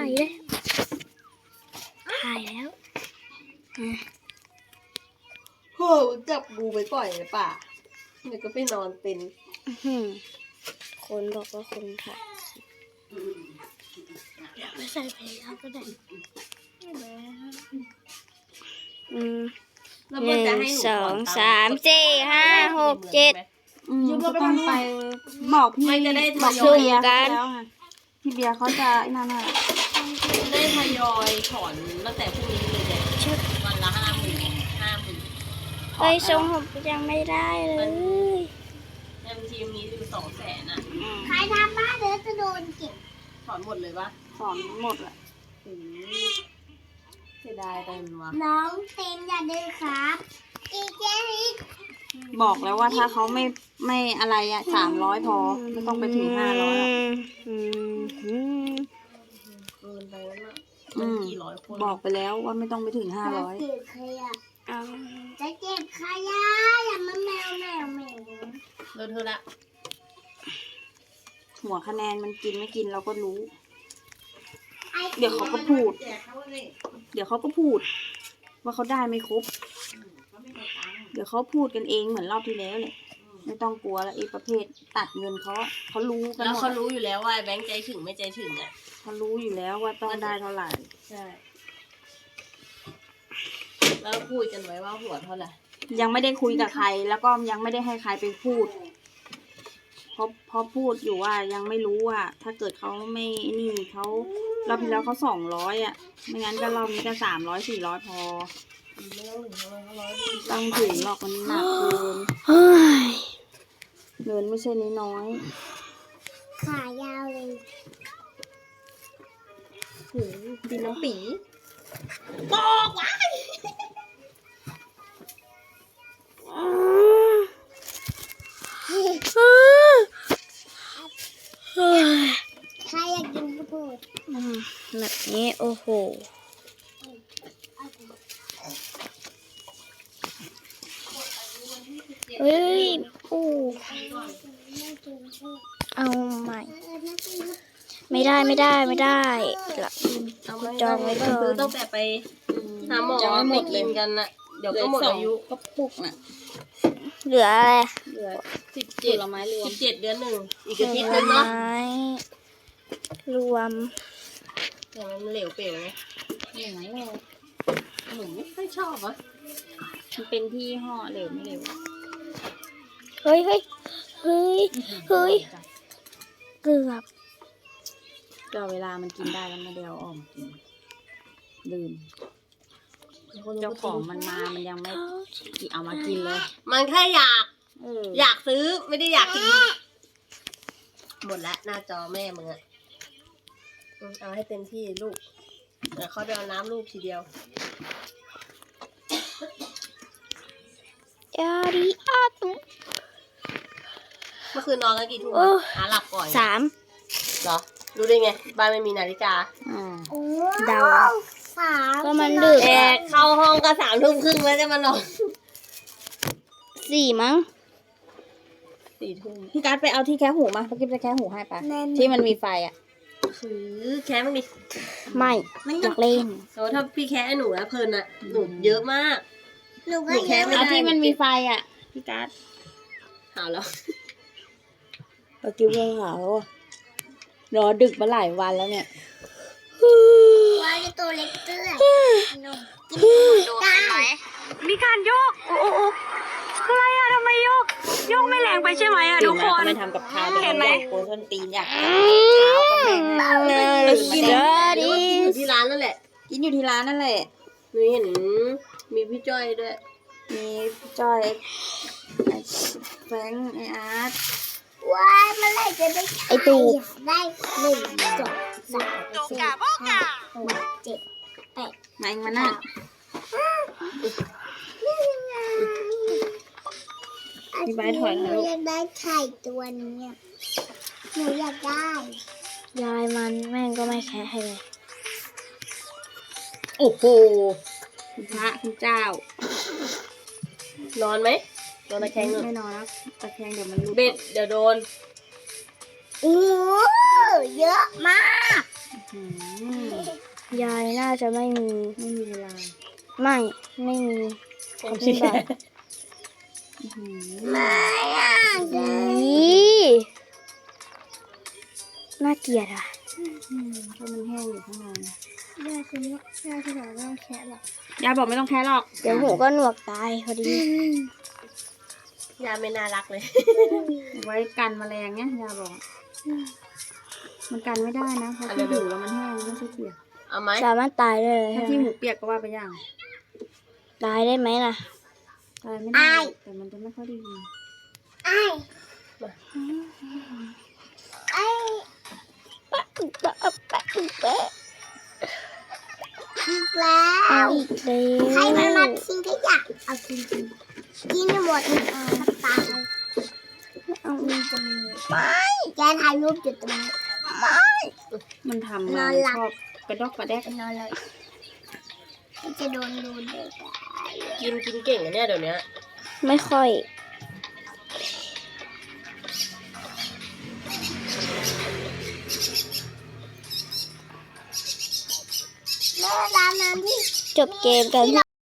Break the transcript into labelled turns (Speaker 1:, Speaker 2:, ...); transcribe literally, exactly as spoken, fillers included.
Speaker 1: ายเลยถ่ายแล้ว
Speaker 2: โหจับงูไปปล่อยในป่าเดี๋ยวก็ไปนอนเป็น
Speaker 1: คนบอกว่าคนถ่ายเดี๋ยวไม่ใส่เพลงแล้วก็ได้อืมหนึ่งสองสามสี่ห้าหกเจ็ด
Speaker 3: ยืมก็ต้องไปบอกพี่บอกพี่เบียร์กันพี่เบียร์เขาจะนั่นน่ะ
Speaker 2: ได้ทยอยถอนตั้งแต่พรุ่งนี้เลยเนี่ยวันละห้าหมื่นห้าหมื่น
Speaker 1: เฮ้ยทรงผมยังไม่ได้เลย
Speaker 2: ในบัญชีมีอยู่สองแสนอ่ะ
Speaker 4: ใครทำบ้านเดี๋ยวจะโดนเก็บ
Speaker 2: ถอนหมดเลยปะ
Speaker 3: ถอนหมดแหละ
Speaker 2: เสียดายไปมันวะ
Speaker 4: น้องเต็มอย่าดื้อครับอีเจริก
Speaker 3: บอกแล้วว่าถ้าเขาไม่ไม่อะไรอะสามร้อยพอไม่ต้องไปถึงห้าร้อย
Speaker 2: เกินไปแล้วนะกี่ร้อยคน
Speaker 3: บอกไปแล้วว่าไม่ต้องไปถึงห้าร้อย
Speaker 4: จะเก็บขยะจะเก็บขยะอย่ามาแมวแมวแมว
Speaker 2: เลิกเธอละ
Speaker 3: หัวคะแนนมันกินไม่กินเราก็รู้เดี๋ยวเขาก็พูดเดี๋ยวเขาก็พูดว่าเขาได้ไม่ครบเดี๋ยวเขาพูดกันเองเหมือนรอบที่แล้วเลยไม่ต้องกลัวแล้วไอ้ประเภทตัดเงินเขาเขารู้กัน
Speaker 2: แล้วเขารู้อยู่แล้วว่าแบงค์ใจถึงไม่ใจถึงอ่ะ
Speaker 3: เขารู้อยู่แล้วว่าต้องได้เท่าไหร่
Speaker 2: ใช่แล้วพูดกันไว้ว่าหัวเท่าไหร่
Speaker 3: ยังไม่ได้คุยกับใครแล้วก็ยังไม่ได้ให้ใครไปพูดเพราะเพราะพูดอยู่ว่ายังไม่รู้ว่าถ้าเกิดเขาไม่นี่เขารอบที่แล้วเขาสองร้อยอ่ะไม่งั้นก็รอบนี้ก็สามร้อยสี่ร้อยพอต้องถึงหรอกมันหนักเกินเงินไม่ใช่น้อย
Speaker 4: ขายาวเลย
Speaker 2: หืมดินน้ำปีบอกไว้
Speaker 4: ใครอยากกินข้าวโพด
Speaker 1: แบบนี้โอ้โหเฮ้ยปูเอาใหม่ไม่ได้ไม่ได้ไม่ได้ละจองไว้ก่อน
Speaker 2: ตั้งแต่ไปหาหมอไม่กินกันน่ะเดี๋ยวก็หมดอายุ
Speaker 3: ก็ปุกน่ะ
Speaker 1: เหลืออะไร
Speaker 2: เหลือสิบเจ็ดละไม้รวมสิบเจ็ดเดือนหนึ่งอีกอาทิตย์นึงเนาะ
Speaker 1: รวม
Speaker 2: แต่มันเหลวเปลวไง
Speaker 3: เหลวไหมเหลว
Speaker 2: หนูไม่ค่อยชอบอ่ะ
Speaker 3: มันเป็นที่ห่อเหลวไม่เหลว
Speaker 1: เฮ้ยเฮ้ยเฮ้ยเฮ้ยเกือบ
Speaker 3: ก็เวลามันกินได้แล้วมาเดียวออมกินลืมเจ้าของมันมามันยังไม่เอามากินเลย
Speaker 2: มันแค่อยากอยากซื้อไม่ได้อยากกินหมดแล้วหน้าจอแม่มึงอะเอาให้เต็มที่ลูกเดี๋ยวเขาไปเอาน้ำลูกทีเดียวย
Speaker 1: าดีอาตุ
Speaker 2: เมื่อคืนนอนกันกี่ทุ่มหาหลับก่อน
Speaker 1: สาม
Speaker 2: เหรอรู้ได้ไงบ้านไม่มีนาฬิกา
Speaker 1: เดา
Speaker 4: สาม
Speaker 1: ก็มันดึก
Speaker 2: แต่เข้าห้องก็สามทุ่มครึ่งแล้วจะมานอน
Speaker 1: สี่มั้ง
Speaker 2: สี่ทุ่ม
Speaker 3: พี่การ์ดไปเอาที่แค่หูมาพี่กิ๊บจะแค่หูให้ปะที่มันมีไฟอ่ะ
Speaker 2: คือแค่ไม่มี
Speaker 1: ไม่อยากเล่น
Speaker 2: แต่ว่าถ้าพี่แค่หนูนะเพลินอะหนูเยอะมาก
Speaker 4: หนูก็แค่
Speaker 3: เอาที่มันมีไฟอ่ะพี่การ์ด
Speaker 2: หาแล้ว
Speaker 3: พี่กิ๊บก็หารอดึกมาหลายวันแล้วเนี่ย
Speaker 4: ว่าจะตัวเล็กเตื้อ
Speaker 1: ได้มีการโยกโอ้โอ้อะไรอะทำไมโยกโยกไม่แรงไปใช่ไหมอะทุกคน
Speaker 3: ไม่ทำกับข้าวเห็นไหมโกส้นตีนอยากกินข้าว
Speaker 2: ก็แม่กินอยู่ที่ร้านนั่นแหละ
Speaker 3: กินอยู่ที่ร้านนั่นแหละ
Speaker 2: หนูเห็นมีพี่จ้อยด้วย
Speaker 3: มีพี่จ้อยแฟงไออาร์ต
Speaker 4: ว้ายเมื่อไหร่จะได้ไอตูได้หนึ่งสองสามสี่ห้าหกเจ็ดแปด
Speaker 3: มาเองมาหน้ามีใบถอยแล้ว
Speaker 4: หนูอยากได้ไข่ตัวนี้หนูอยากได้
Speaker 1: ยายมันแม่งก็ไม่แค่ให้เลย
Speaker 3: โอ้โหคุณพระคุณเจ้
Speaker 2: านอนไหมโดนตะแคง
Speaker 3: ไม่นอนแล้วตะแคงเดี๋ยวมันรุด
Speaker 2: เบ็ดเดี๋ยวโดน
Speaker 4: โอ้เยอะมาก
Speaker 1: ยายน่าจะไม่มี
Speaker 3: ไม่มีเวลา
Speaker 1: ไม่ ไม่มีของพี่บาท
Speaker 3: อื้อหือ
Speaker 1: อีน่าเกลียดอ่ะ
Speaker 3: อืมเพราะมันแห้งอยู่ข้างใน
Speaker 4: ย่าคุณย่าคุณบอกไม่ต้องแคะหรอก
Speaker 3: ยายบอกไม่ต้องแค่หรอก
Speaker 1: เดี๋ยวหูก็หนวกตายพอดี
Speaker 2: ยาไม่น่ารักเลย
Speaker 3: ไว้กันแมลงเนี่ยยาบอก มันกันไม่ได้นะเพราะ
Speaker 2: อะไร
Speaker 3: ที่
Speaker 2: เดี๋
Speaker 3: หู
Speaker 2: ยว
Speaker 3: แล้วมันแห้งไม่ใช่เปียก
Speaker 2: เอาไหม
Speaker 1: สามารถตายได้เลย
Speaker 3: ถ้า
Speaker 1: ใช่
Speaker 3: ที่
Speaker 1: ไหม
Speaker 3: หูเปียกก็ว่าไปอย่าง
Speaker 1: ตายได้ไหมล่ะ
Speaker 3: ตายไม่ได้แต่มันจะไม่ค่อยได้ยิน
Speaker 4: ไอ้ไอ้อีกแล้ว
Speaker 1: เอาอีกแล้
Speaker 4: ใครมัน
Speaker 1: ว
Speaker 4: มาทิ้งขยะเอาทิ้งทิ้งกินให้หมดเอาตาย
Speaker 1: เอา
Speaker 4: มีตรงนี้ไม่แกถ่ายรูปอยู่ตรงนี้ไม่
Speaker 3: มันทำ
Speaker 4: น
Speaker 3: มา
Speaker 4: อนหลับ
Speaker 3: ชอบกระดอกกระแดก
Speaker 4: ไปนอนเลยมันจะโดนดูเด็กอะ
Speaker 2: กินกินเก่งอะเนี่ยเดี๋ยวนี้
Speaker 1: ไม่ค่อย
Speaker 4: แม่ร้านน้ำที่
Speaker 1: จบเกมกัน